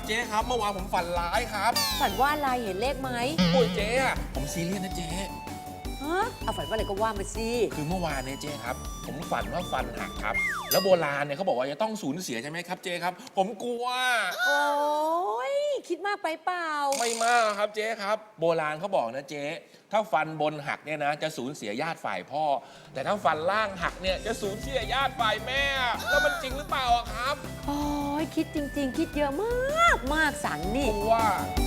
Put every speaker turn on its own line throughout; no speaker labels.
เจ๊ครับเมื่อวานผมฝันร้ายครับ
ฝันว่าอะไรเห็นเลขไหม
โอ้ยเจ๊อะผมซีเรียสนะเจ๊
ฮะเอาฝันว่าอะไรก็ว่ามาสิ
คือเมื่อวานเนี่ยเจ๊ครับผมฝันว่าฟันหักครับแล้วโบราณเนี่ยเขาบอกว่าจะต้องสูญเสียใช่ไหมครับเจ๊ครับผมกลัว
โอ้ยคิดมากไปเปล่า
ไม่มากครับเจ๊ครับโบราณเขาบอกนะเจ๊ถ้าฟันบนหักเนี่ยนะจะสูญเสียญาติฝ่ายพ่อ แต่ถ้าฟันล่างหักเนี่ยจะสูญเสียญาติฝ่ายแม่แล้วมันจริงหรือเปล่าอะครับ
โอ้ยคิดจริง ๆ คิดเยอะมากมากสันนี่
กลัว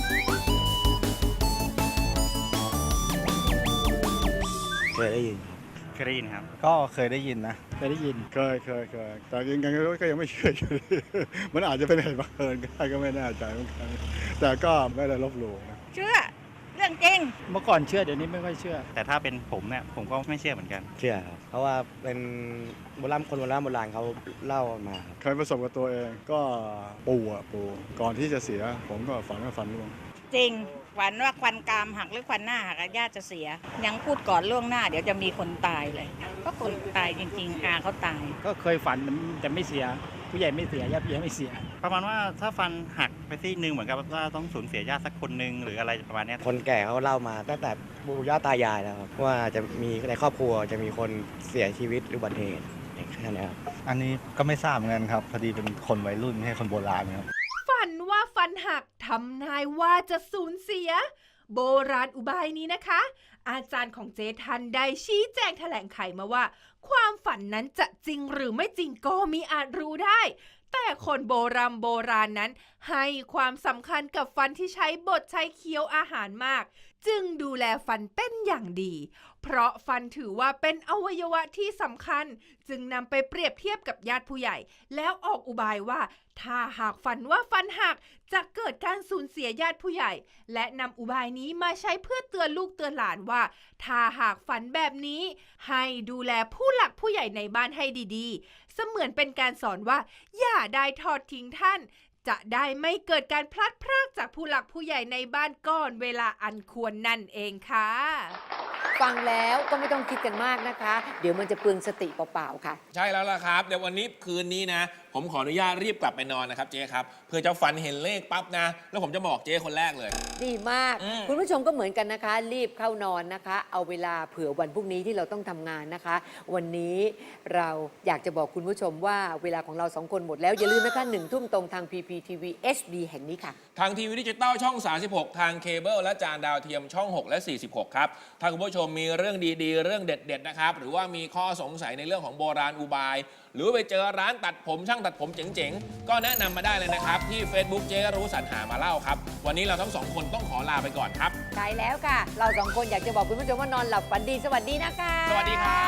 เคยได้ยิน
เคยได้ยินครับ
ก็เคยได้ยินนะ
เคยได้ยินเคยแต่ยังก็ยังไม่เชื่ออยู่ดี มันอาจจะเป็นเหตุบังเอิญก็ได้ก็ไม่แน่ใจเหมือนกันแต่ก็ไม่ได้ลบหลู่นะ
เชื่อเรื่องจริง
เมื่อก่อนเชื่อเดี๋ยวนี้ไม่ค่อยเชื่อ
แต่ถ้าเป็นผมเนี่ยผมก็ไม่เชื่อเหมือนกัน
เชื่อครับ เพราะว่าเป็นคนโบราณเขาเล่ามาครับ
เคยประสบกับตัวเองก็ปู่ก่อนที่จะเสียผมก็ฝันว่าฟันร่วง
จริงฝันว่าควันกรามหักหรือควันหน้าหักญาติจะเสีย ยังพูดก่อนล่วงหน้าเดี๋ยวจะมีคนตายเลย ก็คนตายจริงๆอาเขาตาย
ก็เคยฝันแต่ไม่เสีย ผู้ใหญ่ไม่เสียญาติผู้ใหญ่ไม่เสีย
ประมาณว่าถ้าฟันหักไปซี่หนึ่งเหมือนกับว่าต้องสูญเสียญาติสักคนหนึ่งหรืออะไรประมาณเนี้ย
คนแก่เขาเล่ามาตั้งแต่ปู่ย่าตายายแล้วครับว่าจะมีในครอบครัวจะมีคนเสียชีวิตหรืออุบัติเหตุแค่นี้ครับ
อันนี้ก็ไม่ทราบเหมือนกันครับ พอดีเป็นคนวัยรุ่นไม่ใช่คนโบราณครับ
ฝันว่าฟันหักทำนายว่าจะสูญเสีย โบราณอุบายนี้นะคะ อาจารย์ของเจทันได้ชี้แจงแถลงไขมาว่า ความฝันนั้นจะจริงหรือไม่จริงก็มิอาจรู้ได้ แต่คนโบราณนั้นให้ความสำคัญกับฟันที่ใช้บดใช้เคี้ยวอาหารมาก จึงดูแลฟันเป็นอย่างดี เพราะฟันถือว่าเป็นอวัยวะที่สำคัญ จึงนำไปเปรียบเทียบกับญาติผู้ใหญ่ แล้วออกอุบายว่า ถ้าหากฝันว่าฟันหักจะเกิดการสูญเสียญาติผู้ใหญ่ และนำอุบายนี้มาใช้เพื่อเตือนลูกเตือนหลานว่า ถ้าหากฝันแบบนี้ ให้ดูแลผู้หลักผู้ใหญ่ในบ้านให้ดีๆ เสมือนเป็นการสอนว่า อย่าได้ทอดทิ้งท่าน จะได้ไม่เกิดการพลัดพรากจากผู้หลักผู้ใหญ่ในบ้านก่อนเวลาอันควรนั่นเองค่ะ
ฟังแล้วก็ไม่ต้องคิดกันมากนะคะ เดี๋ยวมันจะเปลืองสติเปล่าๆค่ะ
ใช่แล้วล่ะครับเดี๋ยววันนี้คืนนี้นะ ผมขออนุญาตรีบกลับไปนอนนะครับเจ๊ครับเพื่อจะฝันเห็นเลขปั๊บนะ แล้วผมจะบอกเจ๊คนแรกเลย
ดีมาก คุณผู้ชมก็เหมือนกันนะคะ รีบเข้านอนนะคะ เอาเวลาเผื่อวันพรุ่งนี้ที่เราต้องทำงานนะคะ วันนี้เราอยากจะบอกคุณผู้ชมว่าเวลาของเราสองคนหมดแล้วอย่าลืมนะคะ1 ทุ่มตรงทาง PPTV HD แห่งนี้ค่ะ
ทางทีวีดิจิตอลช่อง 36 ทางเคเบิลและจานดาวเทียมช่อง 6 และ 46 ครับ ถ้าคุณผู้ชมมีเรื่องดีๆ เรื่องเด็ดๆ นะครับ หรือว่ามีข้อสงสัยในเรื่องของโบราณอุบาย หรือไปเจอร้านตัดผมช่างตัดผมเจ๋งๆ ก็แนะนำมาได้เลยนะครับ ที่ Facebook เจ๊รู้สรรหามาเล่าครับ วันนี้เราทั้งสองคนต้องขอลาไปก่อนครับ
ใช่แล้วค่ะ เราสองคนอยากจะบอกคุณผู้ชมว่านอนหลับฝันดีสวัสดีนะคะ
สวัสดีครับ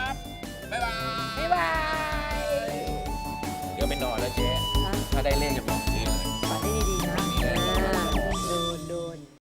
บ๊ายบาย
บ๊ายบาย
เดี๋ยวไปนอนแล้วเจ๊ ถ้าได้เลขจะไป